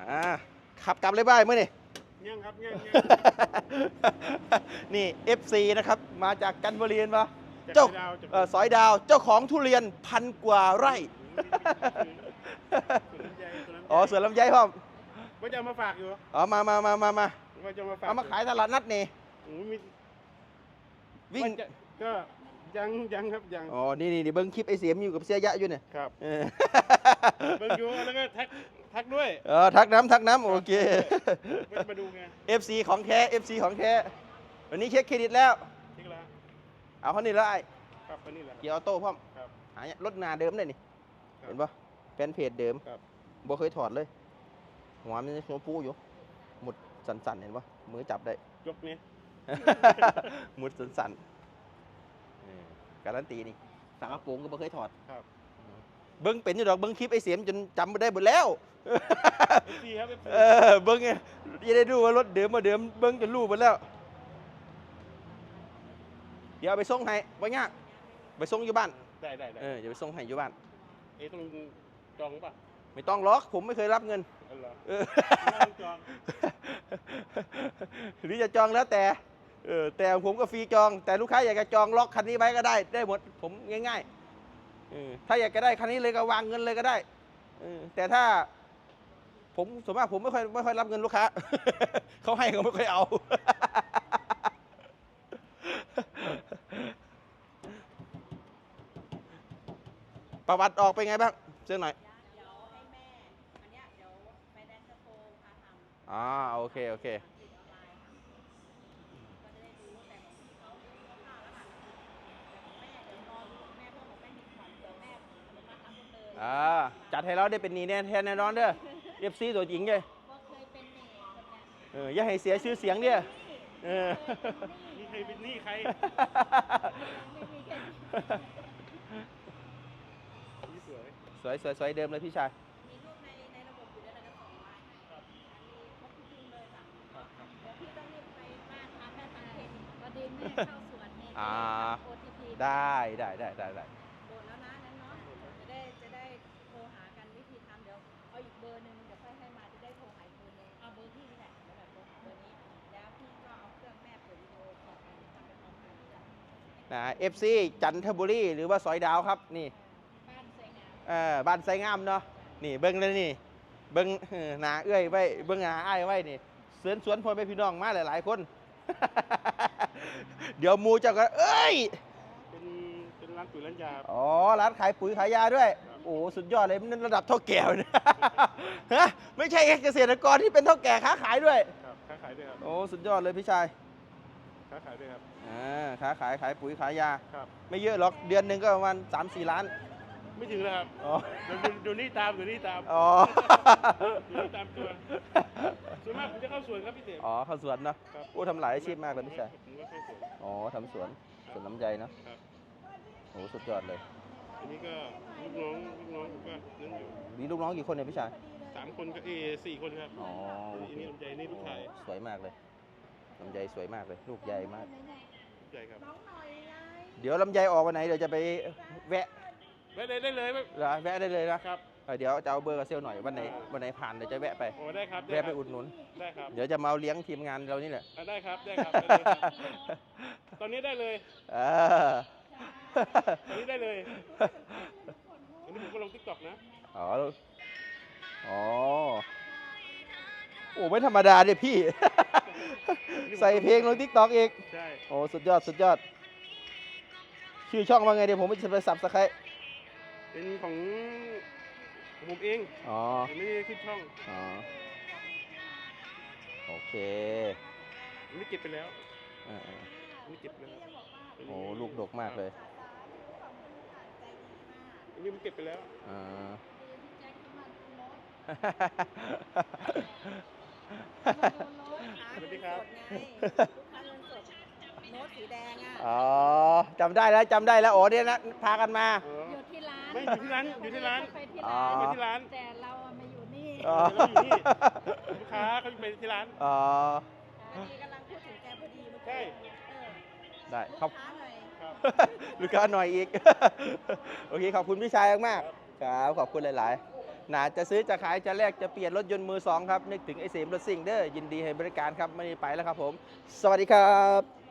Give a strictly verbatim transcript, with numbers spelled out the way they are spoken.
อ่าขับกลับเลยบ้ายเมื่อนี่ยังครับยังยังนี่ เอฟ ซี นะครับมาจากกันบุรีนปะจากเจ้าดาวจากเอ่อสอยดาวเจ้าของทุเรียนพันกว่าไร่สวนลำไยสวนลำไยอ๋อสวนลำไยพ่อมว่าจะเอามาฝากอยู่อ๋อมามามามามาว่าจะมาฝากเอามาขายตลาดนัดนี่โอ้โหมีวิ่งว่าจะก็ยังยังครับยังอ๋อนี่นี่นี่เบิ้งคลิปไอเสียมอยู่กับเสียยะอยู่เนี่ยครับเออเบิ่งอยู่แล้วก็ทักทักด้วยเออทักน้ำทักน้ำโอเคว่าจะมาดูไงเอฟ ซี ของแท้ เอฟ ซี ของแท้วันนี้เช็คเครดิตแล้วที่ละเอาเขานี่แล้วไอ้ครับก็นี่แหละเกียร์ออโต้พ่อมครับหารถนาเดิมเลยนี่ครับเห็นปะแฟนเพจเดิมครับบ่เคยถอดเลย หัวมันยังหัวปูอยู่ หมุดสั่นๆเห็นปะมือจับได้ยกนี้หมุดสั่นๆเออการันตีนี่ฝากระโปรงก็บ่เคยถอดครับเบิ้งเป็นอยู่ดอกเบิ้งคลิปไอเสียมจนจำไม่ได้หมดแล้วเอฟซีครับเอฟซีเออเบิ้งไงจะได้ดูว่ารถเดิมมาเดิมเบิ้งจนรู้หมดแล้ว เดี๋ยวเอาไปส่งให้บ่ยากไปส่งอยู่บ้านได้ได้ได้เออเดี๋ยวไปส่งให้อยู่บ้านเอ๊ะต้องจองป่ะไม่ต้องล็อกผมไม่เคยรับเงินเออเหรอเออไม่ต้องจองหรือจะจองแล้วแต่เออแต่ผมก็ฟรีจอง แต่ลูกค้าอยากจะจองล็อกคันนี้ไว้ก็ได้ได้หมดผมง่ายๆเออถ้าอยากจะได้คันนี้เลยก็วางเงินเลยก็ได้เออแต่ถ้า ผมส่วนมากผมไม่ค่อยไม่ค่อยรับเงินลูกค้า เขาให้เขาไม่ค่อยเอา ประวัติออกไปไงบ้างเชื่อหน่อยเดี๋ยวให้แม่ อันเนี้ยเดี๋ยวไฟแนนซ์จะโทรพาทำอ่าโอเคโอเคทำติดออนไลน์ค่ะก็จะได้รู้แต่ของพี่เขาคร่าวๆแล้วค่ะแต่ของแม่เดี๋ยวรอดูของแม่เพราะของแม่มีของเดี๋ยวแม่อนุมัติรับหมดเลยอ่าจัดให้เราได้เป็นหนีแน่แทนแน่นอนเด้อเอฟซีตัวจริงเลยว่าเคยเป็นเน่คนเนี้ยเอออย่าให้เสียชื่อเสียงเด้อเออมีใครเป็นหนี้ใครไม่มีแค่นี้นี่สวยสวยสวยสวยเดิมเลยพี่ชายมีรูปในในระบบอยู่ด้วยเราจะส่งไลน์ให้ครับอันนี้ครบทุกทีเลยจ้ะครับครับเดี๋ยวพี่ต้องรีบไปบ้านพาแม่ทำเครดิตพอดีแม่เข้าสวนเนี่ยอ่าโอทีพีได้ได้ได้ได้ได้โดนแล้วนะนั้นเนาะจะได้จะได้โทรหากันวิธีทำเดี๋ยวเอาอีกเบอร์หนึ่งเดี๋ยวค่อยให้มาจะได้โทรหาอีกเบอร์หนึงเอาเบอร์พี่นี่แหละเดี๋ยวแบบโทรหาเบอร์นี้แล้วพี่ก็เอาเครื่องแม่เปิดวิดีโอคอลกันทำไปพร้อมกันจ้ะนะเอฟซีจันทบุรีหรือว่าสอยดาวครับนี่บ้านสวยงามเออบ้านไซงามเนาะนี่เบิ้งเลยนี่เบิ้งเออหนาเอื้อยไว้เบิ้งหนาอ้ายไว้นี่เสวนสวนพลไปพี่น้องมาหลายๆคน เดี๋ยวหมูเจ้าก็เอ้ยเป็นเป็นร้านปุ๋ยร้านยาอ๋อร้านขายปุ๋ยขายยาด้วยครับโอ้สุดยอดเลยมันระดับเท่าแก่เลย ฮะไม่ใช่เกษตรกรที่เป็นเท่าแก่ค้าขายด้วยครับค้าขายด้วยครับโอ้สุดยอดเลยพี่ชายค้าขายด้วยครับอ่าค้าขายขายปุ๋ยขายยาครับไม่เยอะหรอกเดือนหนึ่งก็ประมาณสามสี่ล้านไม่ถึงแล้วครับอ๋อเดี๋ยวดูดูนี่ตามดูนี่ตามอ๋อดูนี่ตามตัวส่วนมากผมจะเข้าสวนครับพี่เต๋ออ๋อเข้าสวนเนาะครับโอ้ทำหลายอาชีพมากเลยพี่ชายผมก็เข้าสวนอ๋อทำสวนสวนลำไยเนาะครับโอ้สุดยอดเลยอันนี้ก็ลูกน้องลูกน้องผมก็นั่นอยู่มีลูกน้องกี่คนเนี่ยพี่ชายสามคนก็เออสี่คนครับอ๋ออันนี้ลำไยนี่ลูกชายสวยมากเลยลำไยสวยมากเลย ลูกใหญ่มากใหญ่ครับน้องหน่อยไงเดี๋ยวลำไยออกวันไหนเดี๋ยวจะไปแวะได้เลยได้เลยไม่เหรอแวะได้เลยนะครับ เออเดี๋ยวจะเอาเบอร์กับเซลลหน่อยวันไหนวันไหนผ่านเดี๋ยวจะแวะไปโอ้ได้ครับแวะไปอุดหนุนได้ครับเดี๋ยวจะมาเอาเลี้ยงทีมงานเรานี่แหละอ่ะได้ครับได้ครับได้เลยครับตอนนี้ได้เลยเออตอนนี้ได้เลยอันนี้ผมก็ลงทิกตอกนะอ๋ออ๋อโอ้ไม่ธรรมดาเนี่ยพี่ ใส่เพลงลงทิกตอกอีกใช่โอ้สุดยอดสุดยอด ชื่อช่องว่าไงเดี๋ยวผมจะไปสับสไครต์เป็นของผมเองอ๋อผมไม่ได้ขึ้นช่องอ๋อ โอเคอันนี้เก็บไปแล้วอ่าอันนี้เก็บไปแล้วๆโอ้ลูกดกมากเลยอันนี้มันเก็บไปแล้วอ่าสวัสดีครับลูกค้าเงินสดโน้ตสีแดงอ่ะอ๋อจำได้แล้วจำได้แล้วโอ้เนี่ยนะพากันมาเอออยู่ที่ร้านไม่อยู่ที่ร้านอยู่ที่ร้านไปที่อ๋อร้านไปที่ร้านแต่เราอะมาอยู่นี่อ๋อเดี๋ยวเราอยู่นี่ลูกค้าเขาไปที่ร้านอ๋ออันนี้กำลังพูดถึงแกพอดีเมื่อใช่กี้เออได้ขลูอบกค้าหน่อยครับลูกค้าหน่อยอีก โอเคขอบคุณพี่ชายมากๆครับขอบคุณหลาย ๆน่าจะซื้อจะขายจะแลกจะเปลี่ยนรถยนต์มือสองครับนึกถึงไอเสมรถซิ่งเด้อยินดีให้บริการครับไม่ได้ไปแล้วครับผมสวัสดีครับ